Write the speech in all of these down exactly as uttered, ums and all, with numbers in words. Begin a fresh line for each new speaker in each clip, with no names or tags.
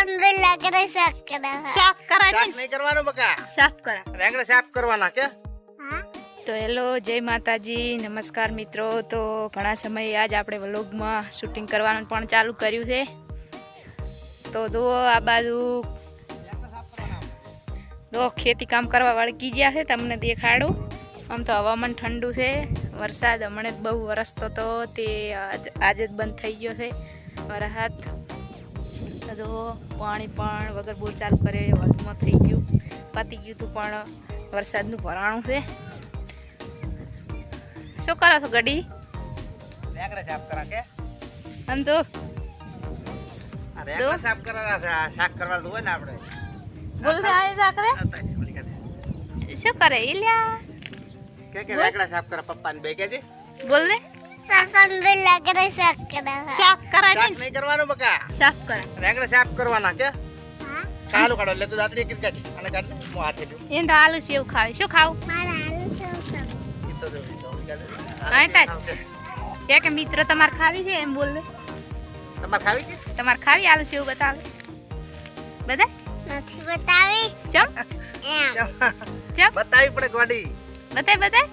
કરે સાફ કરા
સાફ કરાય
નહીં કરવાનો બકા
સાફ કરા
રેંગણા સાફ કરવાના કે
હા
તો હેલો જય માતાજી નમસ્કાર મિત્રો તો ઘણા સમયે આજ આપણે વ્લોગમાં શૂટિંગ કરવાનું પણ ચાલુ કર્યું છે તો જો આ બાજુ જો ખેતી કામ કરવા વળગી ગયા છે તમને દેખાડું આમ તો હવામાન ઠંડુ છે વરસાદ હમણાં જ બહુ વરસતો હતો તે આજે જ બંધ થઈ ગયો છે વરસાદ તો પાણી પણ વગર બોર ચાલુ કરે વધમાં થઈ ગયું પતી ગયું હતું પણ વરસાદનું ભરાણું છે શું કરો છો ગડી
રેંગણા સાફ કરા કે
આમ તો
આ રેંગણા સાફ કરવાના છે આ શાક કરવાનું હોય ને આપણે
બોલ દે આય જા કરે શું કરે ઇલ્યા
કે કે રેંગણા સાફ કરા પપ્પાને બે કે છે
બોલ દે
સાકન બેલા કરે સાફ કરા
સાફ કરાય
શાક નહીં કરવાનું બકા
સાફ કરાય
રેંગણા સાફ કરવાના કે
હા
કાલુ કાઢો એટલે તું દાતરી કિન કાઢી અને કાઢ હું હાથે લ્યો
એમ તો આલુ સેવ ખાવે શું ખાવું
મારા આલુ સાફ
ઈ તો જો
આય તા કે કે મિત્ર તમાર ખાવી છે એમ બોલ દે
તમાર ખાવી કે
તમાર ખાવી આલુ સેવ બતાવે બધા
નથી બતાવી
ચમ
એમ
ચમ
બતાવી પડે ગોડી
બતાય બતાય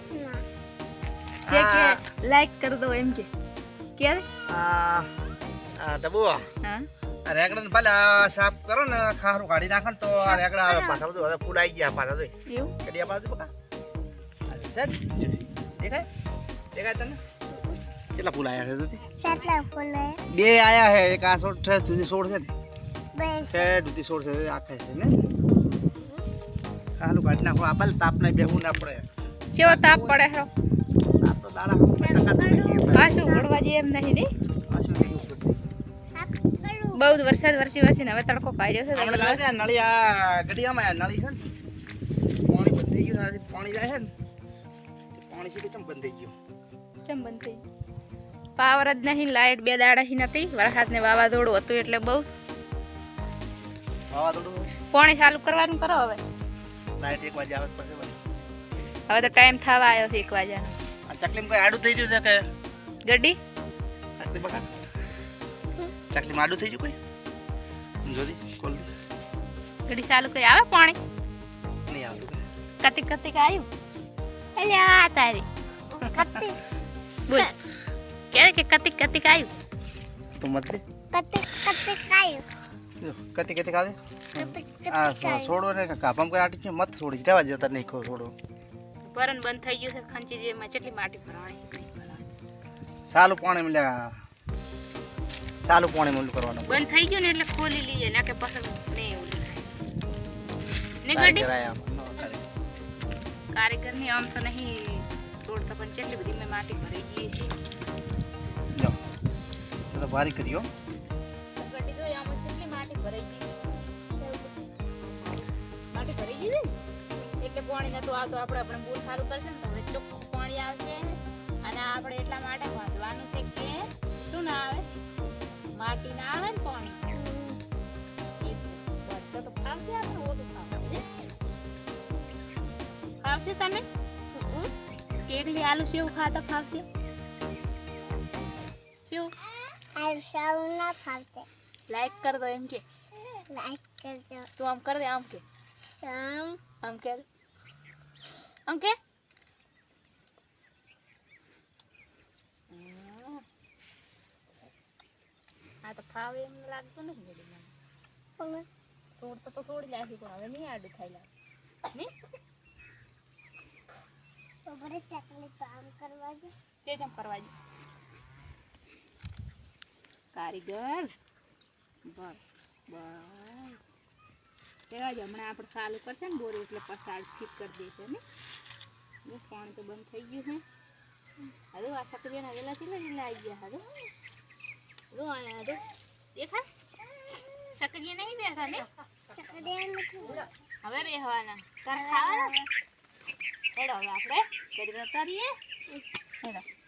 કે
આ
કે લાઈક કર દો એમ કે કે
આ આ ડબુ
હા
આ રેંગણા ને ભલે આ સાફ કરો ને ખારું કાઢી નાખો ને તો આ રેંગણા આવે પાછા બધું હવે ફૂલ આવી ગયા પાછા તો
એવું
કડી આપા દે બકા આ સેટ દેખાય દેખાય તને કેટલા ફૂલ આયા છે તુતી
કેટલા ફૂલે
બે આયા છે એક આ છોડ છે તુતી છોડ છે ને
બસ
છે તુતી છોડ છે આખે છે ને ખારું કાઢી નાખો આ ભલે તાપ ને બેહું ના પડે
ચેવો તાપ પડે હરો
તાપ તો દાડા હમ ટકા તો નહીં
પાછું ગળવા જે એમ નહીં ની
પાછું નહીં ઉપર
સાફ કરું
બહુ જ વરસાદ વરસી વરસીને હવે તડકો કાઢ્યો છે
આપણે લાગે નળી આ ગડિયામાં નળી છે ને પાણી બંધ થઈ ગયું છે પાણી જાય છે ને પાણી સીધું ચમ બંધ થઈ ગયું
ચમ બંધ થઈ પાવર જ નહીં લાઈટ બે દાડાથી નથી વરસાદ ને વાવાઝોડું હતું એટલે બહુ
વાવાઝોડું
પાણી ચાલુ કરવાનું કરો હવે
લાઈટ એક વાગે આવે પછી વળી
હવે તો ટાઈમ થવા આવ્યો છે એક વાગ્યાનો
આ ચકલીમાં કોઈ આડું થઈ ગયું છે કે
ગड्डी
ચકલી બકા ચકલીમાં આડું થઈ ગયું કોઈ જોદી કોલ
ગड्डी ચાલુ કરી આવે પાણી
નહીં આવતું
કતિક કતિક આવ્યું અલ્યા તારી
કત્તી
બોલ કે કે કતિક કતિક આવ્યું
તો મત લે
કત્તી કત્તી ખાયું
કતી કતી કાલે
કત્તી
આ
કત્તી
છોડો ને કાપામ કોઈ આટી છે મત છોડી જવા જતા નહીં ખો છોડો
ભરણ બંધ થઈ ગયું છે ખંચી જેમાં કેટલી માટી ભરાણી
સાલું પાણી મળ્યા સાલું પાણી મળ્યું કરવાનું
બંધ થઈ ગયું ને એટલે ખોલી લઈએ ના કે પસંદ નહીં એવું થાય ને ગड्डी કારીગર ની આમ તો નહીં છોડતા પણ કેટલી બધી મેં માટી ભરાઈ ગઈ છે
જો તો ભારી કર્યો
ગड्डी તો આમાં કેટલી માટી ભરાઈ ગઈ માટી ભરાઈ ગઈ છે એટલે પાણી નતું આવતું આપણે આપણે બોર સારું કરશે ને તો હવે ચોખ્ખું પાણી આવશે અને આપણે એટલા માટે વાંધવાનું છે કે શું ના આવે માટી ના આવે ને પાણી એ બધું તો ફાવશે આપણે ઓછું ફાવશે ફાવશે તને એકલી આલુ સેવ ખાતા ફાવશે સેવ
આ સાવ ના ફાવતે
લાઈક કર દો એમ કે
લાઈક કરજો
તું આમ કર દે આમ કે
સમ
આમ કે આમ કે આ તો ફાવે એમ લાગતું નથી ગડી મને
પણ
છોડતો તો છોડી લાગી પણ હવે નહીં આડું થાય લાગે નહીં
તો બરે ચકલી કામ કરવા દે
જે જમ કરવા દે કારીગર બસ બસ કેવા જ હમણાં આપણે ચાલુ કરશે ને બોર એટલે પસાડ ઠીક કરી દેશે ને બસ પાણી તો બંધ થઈ ગયું છે હવે આ સકરીયાના વેલા ચીલા ચીલા આવી ગયા હવે જો આયા તો દેખા સકરીયા નહીં બેઠા ને
ચકડી નથી
હવે બેહવાના તાર ખાવાના હેડો હવે આપણે કરી ઉતારીએ હેડો